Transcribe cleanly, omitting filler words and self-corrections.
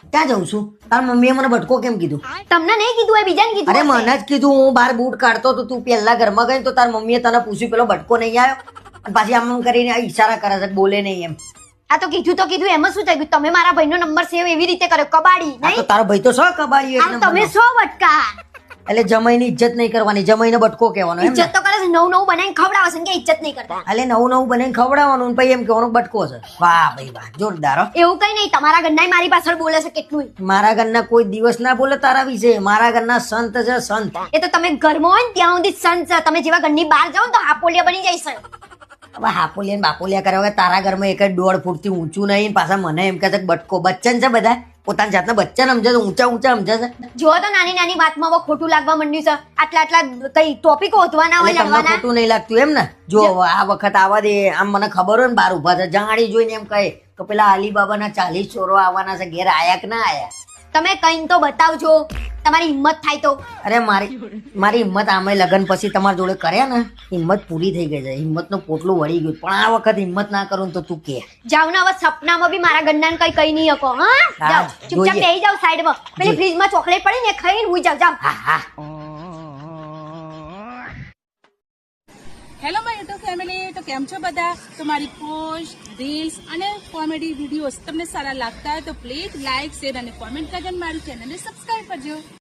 ક્યાં જઉં છું? તાર મમ્મીએ મને બટકો કેમ કીધું? તમને નહીં કીધું એ બીજાને કીધું અરે હશે. મને જ કીધું. હું બહાર બૂટ કાઢતો તો તું પહેલા ઘરમાં ગઈ તો તાર મમ્મીએ તને પૂછ્યું પેલો બટકો નહીં આવ્યો? અને પાછી આમ કરીને ઈશારા કરે છે બોલે નહીં એમ. આ તો કીધું એમાં શું થઈ ગયું? તમે મારા ભાઈનો નંબર સેવ એવી રીતે કર્યો કબાડી આ તો નહીં? તારો ભાઈ તો સો કબાડી એક આ તમે નંબરનો. સો વટકા એટલે જમાઈની ઇજ્જત નહીં કરવાની, જમાઈને બટકો કહેવાનો એમ ને? ઇજ્જત તો કરે છે, નવું નવું બનાવીને ખવડાવે છે ને કે ઇજ્જત નહીં કરતા. એટલે નવું નવું બનાવીને ખવડાવવાનું ને પછી એમ કહેવાનું બટકો છે. વાહ ભાઈ વાહ, જોરદાર હો. એવું કઈ નહીં, તમારા ઘરના મારી પાછળ બોલે છે કેટલું. મારા ઘરના કોઈ દિવસ ના બોલે તારા વિશે. મારા ઘરના સંત છે સંત. એ તો તમે ઘરમાં હોય ને ત્યાં સુધી સંત છે. તમે જેવા ઘરની બહાર જાઓ ને તો હાપોલિયા બની જાય છે. હવે હાપોલિયા ને બાપોલિયા કર્યા વગર તારા ઘરમાં એક જ 1.5 ફૂટથી ઊંચું નહીં ને પાછા મને એમ કહે છે કે બટકો. બચ્ચન છે બધા, પોતાની જાતને બચ્ચન સમજે છે, ઊંચા ઊંચા સમજે છે. જો તો નાની નાની વાતમાં હવે ખોટું લાગવા માંડ્યું છે. આટલા કઈ ટોપિક હોતવાના હોય એટલે તમને લડવાના. ખોટું નહીં લાગતું એમ ને? જો હવે આ વખત આવા દે. આમ મને ખબર હોય ને બહાર ઉભા છે જાણી જોઈને એમ કહે કે પેલા અલીબાબાના 40 ચોરો આવવાના છે, ઘેર આયા કે ના આયા? તમે કઈ તો બતાવજો, તમારી હિંમત થાય તો. અરે મારી હિંમત આમે લગન પછી તમારી જોડે કર્યા ને, હિંમત પૂરી થઈ ગઈ છે. હિંમતનું પોટલું વળી ગયું. પણ આ વખત હિંમત ના કરું ને તો તું કે. જાવ ને હવે સપનામાં બી મારા ગન્નાને કઈ નહીં શકો. હા હા, જાવ ચૂપચાપ જોઈએ. બેસી જાવ સાઈડમાં. પેલી ફ્રીજમાં ચોકલેટ પડી ને ખાઈને હુઈ જાવ. જાવ. હા હા. હેલો માય યુટ્યુબ ફેમિલી, તો કેમ છો બધા? તો મારી પોસ્ટ, રીલ્સ અને કોમેડી વિડીયોઝ તમને સારા લાગતા હોય તો પ્લીઝ લાઇક, શેર અને કોમેન્ટ કરીને મારી ચેનલને સબસ્ક્રાઇબ કરજો.